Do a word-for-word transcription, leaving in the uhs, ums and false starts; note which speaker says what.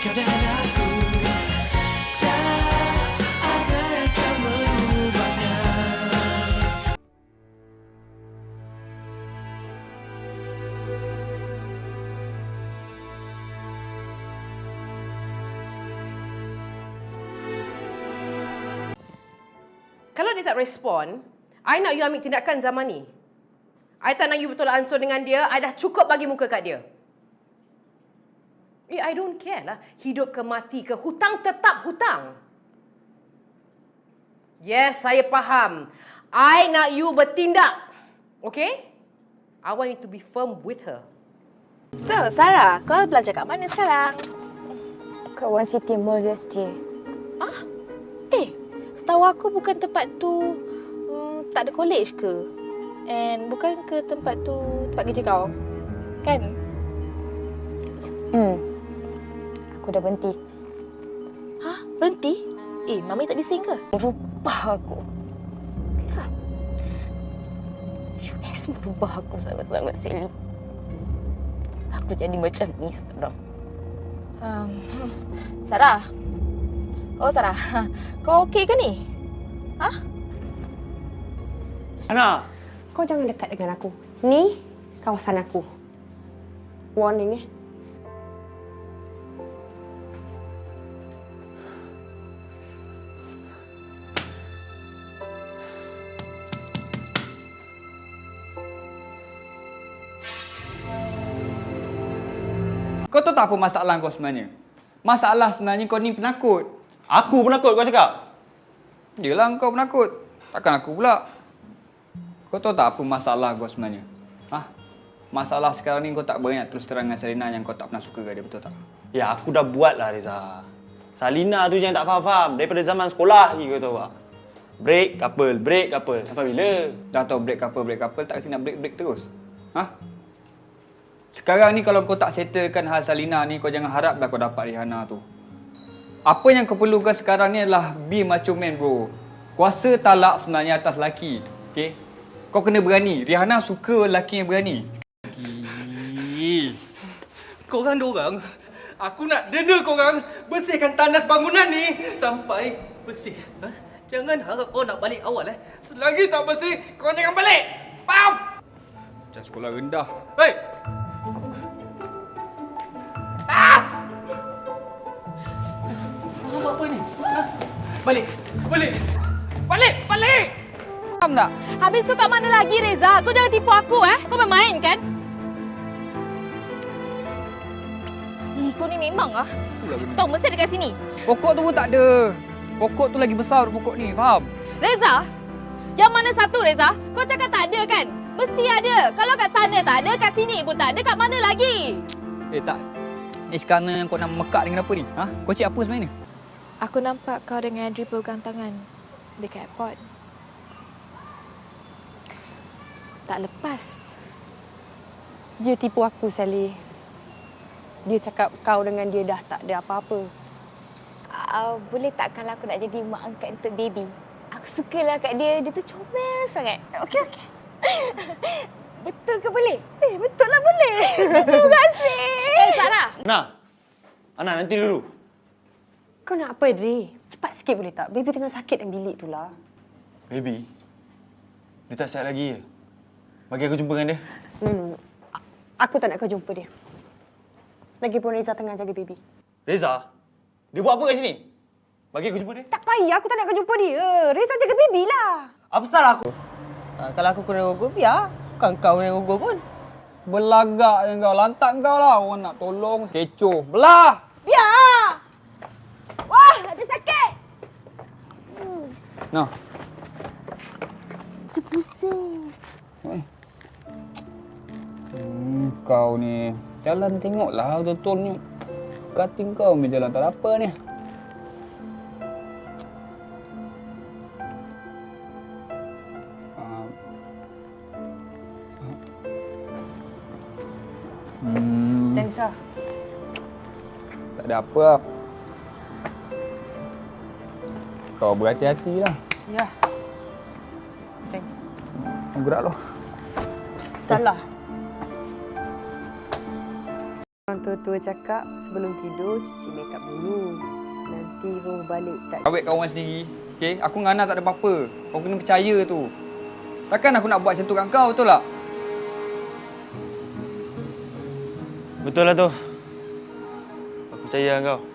Speaker 1: kau dan aku, tak ada yang akan merubahnya.
Speaker 2: Kalau dia tak respon, I nak you ambil tindakan zaman ni. I tak nak you betul ansur dengan dia. I dah cukup bagi muka kat dia. Eh, I don't care lah. Hidup ke mati ke, hutang tetap hutang. Yes, saya faham. I nak you bertindak. Okay? I want you to be firm with her.
Speaker 3: So, Sarah, kau belajar kat mana sekarang?
Speaker 4: Kat One City Mall U S T.
Speaker 3: Ah? Eh, setahu aku bukan tempat tu hmm, tak ada college ke? And bukan ke tempat tu tempat kerja kau? Kan?
Speaker 4: Hmm. Aku dah berhenti.
Speaker 3: Hah? Berhenti? Eh, Mami tak bising ke?
Speaker 4: Merubah aku. U S merubah aku sangat-sangat, Sally. Aku jadi macam ni sekarang.
Speaker 3: Um, Sarah? Oh, Sarah. Kau okey ke ni? Hah?
Speaker 5: Ana!
Speaker 6: Kau jangan dekat dengan aku. Ni kawasan aku. Warning eh.
Speaker 5: Kau tahu tak apa masalah kau sebenarnya? Masalah sebenarnya kau ni penakut.
Speaker 7: Aku penakut kau cakap?
Speaker 5: Yelah kau penakut. Takkan aku pula. Kau tahu tak apa masalah kau sebenarnya? Ha? Masalah sekarang ni kau tak berani nak terus terang dengan Salina yang kau tak pernah suka ke dia, betul tak?
Speaker 7: Ya, aku dah buat lah, Reza. Salina tu jangan tak faham-faham. Daripada zaman sekolah lagi kau tahu tak? Break couple, break couple. Sampai bila?
Speaker 5: Dah tahu break couple, break couple, tak kasi nak break-break terus. Ha? Sekarang ni kalau kau tak settlekan hal Salina ni, kau jangan haraplah kau dapat Rihanna tu. Apa yang kau perlukan sekarang ni adalah be macho man, bro. Kuasa talak sebenarnya atas lelaki. Okay? Kau kena berani. Rihanna suka lelaki yang berani.
Speaker 1: Korang dorang, aku nak deda korang bersihkan tandas bangunan ni sampai bersih. Ha? Jangan harap kau nak balik awal eh. Selagi tak bersih, kau jangan balik. Faham?
Speaker 5: Macam sekolah rendah.
Speaker 1: Hei! Ah! Kau buat apa ni? Ha? Balik! Balik! Balik! Balik!
Speaker 5: Faham tak?
Speaker 3: Habis tu kat mana lagi, Reza? Kau jangan tipu aku, eh? Kau bermain, kan? Ih, kau ni memang ah. Aku tahu mesti dekat sini.
Speaker 5: Pokok tu pun tak ada. Pokok tu lagi besar pokok ni, faham?
Speaker 3: Reza? Yang mana satu, Reza? Kau cakap tak ada, kan? Mesti ada. Kalau kat sana tak ada, kat sini pun tak ada. Kat mana lagi?
Speaker 5: Eh, tak. Ni sekarang yang kau nak mekak dengan apa ni? Ha? Kau cik apa sebenarnya?
Speaker 3: Aku nampak kau dengan Andrew pegang tangan dekat airport. Tak lepas.
Speaker 6: Dia tipu aku, Sally. Dia cakap kau dengan dia dah tak ada apa-apa.
Speaker 4: Uh, boleh tak kalau aku nak jadi mak angkat untuk baby? Aku sukalah kat dia. Dia tu comel sangat. Okey, okey. Betul ke boleh? Eh, betul lah boleh. Terima kasih.
Speaker 3: Eh, Sarah.
Speaker 7: Ana! Ana, nanti dulu.
Speaker 6: Kau nak apa, Dre? Cepat sikit boleh tak? Baby tengah sakit dalam bilik tu lah.
Speaker 7: Baby, dia tak sihat lagi ya? Bagi aku jumpa dengan dia.
Speaker 6: No, no, no. Aku tak nak kau jumpa dia. Lagipun Reza tengah jaga baby.
Speaker 7: Reza? Dia buat apa kat sini? Bagi aku jumpa dia.
Speaker 6: Tak payah, aku tak nak kau jumpa dia. Reza jaga baby lah.
Speaker 7: Apa salah aku?
Speaker 8: Ha, kalau aku kena gugur, biar. Bukan kau kena gugur pun. Belagak je kau. Lantak kau lah. Orang nak tolong. Kecoh. Belah!
Speaker 6: Biar! Wah, ada sakit.
Speaker 8: Hmm. Nah.
Speaker 6: Terpusing.
Speaker 8: Eh. Hmm, kau ni. Jalan tengoklah betul-betul ni. Kating kau ni jalan tak ada apa ni. Hmm.
Speaker 6: Thanks lah.
Speaker 8: Tak ada apa. Kau berhati-hatilah.
Speaker 6: Ya. Thanks.
Speaker 8: Gerak lo.
Speaker 6: Salah. Orang tua-tua cakap sebelum tidur cuci makeup dulu. Nanti roh balik tak.
Speaker 5: Awet kawan sendiri. Okey, aku dengan Ana tak ada apa-apa. Kau kena percaya tu. Takkan aku nak buat macam tu kat kau, betul tak?
Speaker 7: Betul lah tu. Aku percaya dengan kau.